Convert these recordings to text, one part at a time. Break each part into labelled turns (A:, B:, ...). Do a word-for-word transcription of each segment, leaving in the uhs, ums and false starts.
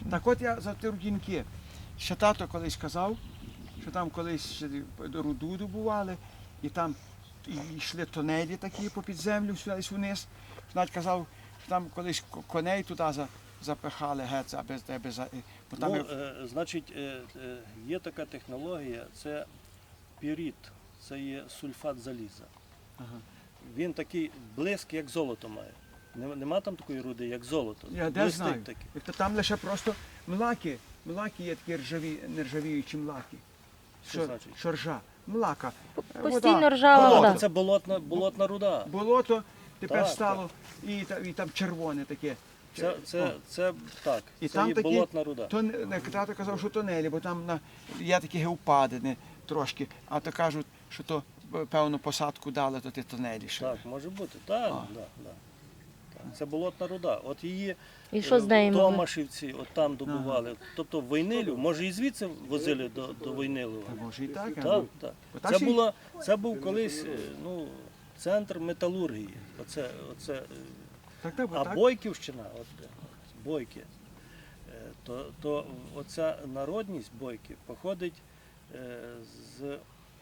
A: Так от я за ті рудінки. Ще тато колись казав, що там колись ще руду добували, і там і йшли тунелі такі попід землю, сюди вниз. Навіть казав, що там колись коней туди за- запихали геть, аби, аби, за- бо там
B: Ну,
A: як-
B: е, значить, е, е, є така технологія, це пірит, це є сульфат заліза.
A: Ага.
B: Він такий блиск, як золото має. Нема, нема там такої руди, як золото.
A: Я де
B: Блистить
A: знаю.
B: такий.
A: Тобто там лише просто млаки, млаки є такі ржаві, нержавіючі млаки.
B: Що значить?
A: Що ржа. Млака.
C: Постійно
A: Вода.
C: ржава
A: Болото.
C: вода.
B: Тобто це болотна, болотна руда.
A: Болото тепер
B: Так,
A: стало і, та- і там червоне таке.
B: Це, це,
A: О.
B: це так,
A: І
B: це
A: там
B: є
A: такі
B: болотна руда.
A: То, не- тато казав, що тунелі, бо там на, є такі геопадини трошки, а то кажуть, що то е, певну посадку дали, то ті тунелі ще.
B: Так, може бути. Так,
A: А.
B: да, да. Так. Це болотна руда. От її
C: І що з нею
B: в
C: могли?
B: Томашівці, от там добували. Тобто Войнилів, може і звідси возили до, до Войнилова.
A: Та може і так, а,
B: Так,
A: ну,
B: так.
A: бо так
B: Це,
A: ще й-
B: була, це був колись е, ну, центр металургії. Оце, оце, е,
A: так, так, бо
B: а
A: так.
B: Бойківщина, от, е, Бойки, е, то, то оця народність Бойки походить е, з, е,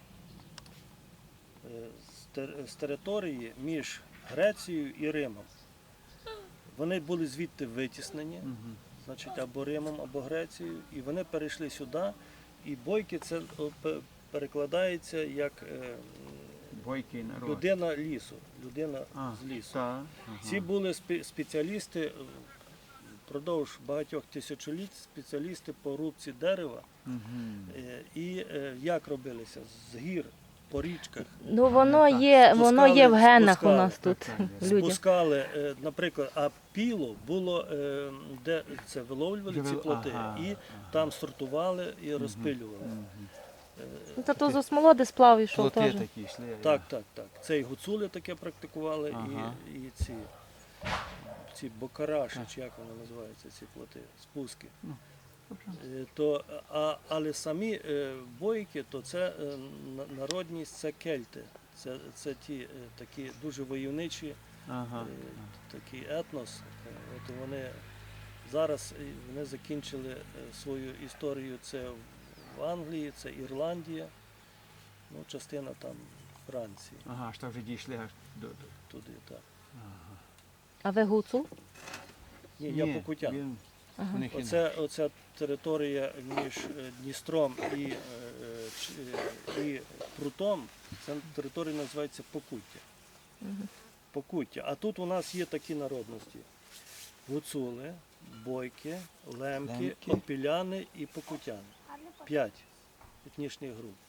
B: з, тер- з території між Грецією і Римом. Вони були звідти витіснені,
A: Мгм.
B: значить, або Римом, або Грецією, і вони перейшли сюди, і Бойки це о, пе- перекладається як е,
A: Бойкий народ.
B: людина лісу, людина
A: А,
B: з лісу.
A: та, ага.
B: Ці були спе- спеціалісти е, впродовж багатьох тисячоліть, спеціалісти по рубці дерева.
A: Мгм.
B: Е, І е, як робилися? З гір, по річках.
C: Ну воно
A: Так.
C: є, воно є в
B: Спускали-
C: генах у
B: спускали.
C: нас тут.
A: Так, так,
C: Люди.
B: Спускали, е, наприклад, а піло було, е, де це виловлювали ці
A: Вил-
B: плоти,
A: ага,
B: і
A: ага.
B: там сортували і розпилювали.
A: Мгм.
C: Ну, Та то з осмолоди сплав ішов
A: Плоти
C: теж.
A: такі йшли.
B: Так, так, так. Це і гуцули таке практикували,
A: Ага.
B: і, і ці, ці бокараші, чи як вони називаються, ці плоти, спуски. Е, То, а, але самі е, бойки, то це е, на- народність, це кельти. Це, це ті е, такі дуже войовничі,
A: Ага.
B: е, такий етнос. Е, От вони зараз е, вони закінчили е, свою історію. Це в Англії, це Ірландія, ну, частина там Франції,
A: Ага, аж так вже дійшли аж до. до-
B: туди так.
C: А ви гуцул?
B: Ні, я
A: Ні,
B: покутян.
A: він-
C: Ага.
A: у них інакше.
B: Оце, оця територія між е, Дністром і, е, е, Ч- е, і Прутом, це територія називається Покуття. Покуття. А тут у нас є такі народності: гуцули, бойки, лемки,
A: Лемки.
B: опіляни і покутяни. П'ять етнічних груп.